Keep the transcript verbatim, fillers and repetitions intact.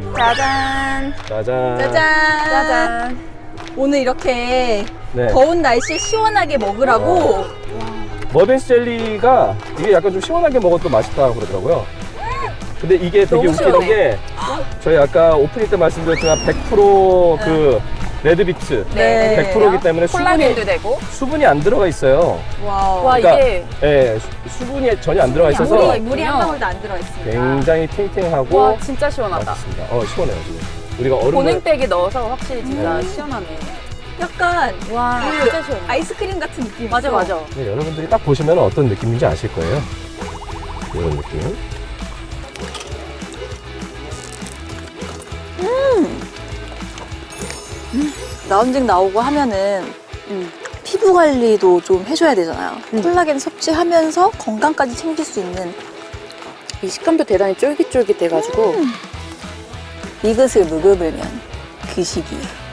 짜잔. 짜잔. 짜잔. 짜잔. 오늘 이렇게 네. 더운 날씨에 시원하게 먹으라고 머빈스 젤리가 이게 약간 좀 시원하게 먹어도 맛있다고 그러더라고요. 근데 이게 되게 너무 웃기는 시원해. 게 저희 아까 오프닝 때 말씀드렸지만 백 퍼센트 그 레드비트 네. 백 퍼센트이기 때문에 수분이, 콜라겐도 되고. 수분이 안 들어가 있어요. 와우. 와, 그러니까 이게. 예, 수- 수분이 전혀 안 들어가 있어서 물이, 물이 한 방울도 안 들어 있습니다. 굉장히 탱탱하고 와, 진짜 시원하다. 맛있습니다. 어, 시원해요, 지금. 우리가 얼음을 보냉백에 넣어서 확실히 진짜 음. 시원하네. 약간 와, 그 진짜 시원해. 아이스크림 같은 느낌. 맞아, 맞아. 네, 여러분들이 딱 보시면 어떤 느낌인지 아실 거예요. 이런 느낌. 라운딩 나오고 하면은 음. 피부 관리도 좀 해줘야 되잖아요. 콜라겐 섭취하면서 건강까지 챙길 수 있는 이 식감도 대단히 쫄깃쫄깃해가지고. 이것을 먹으면 그 시기에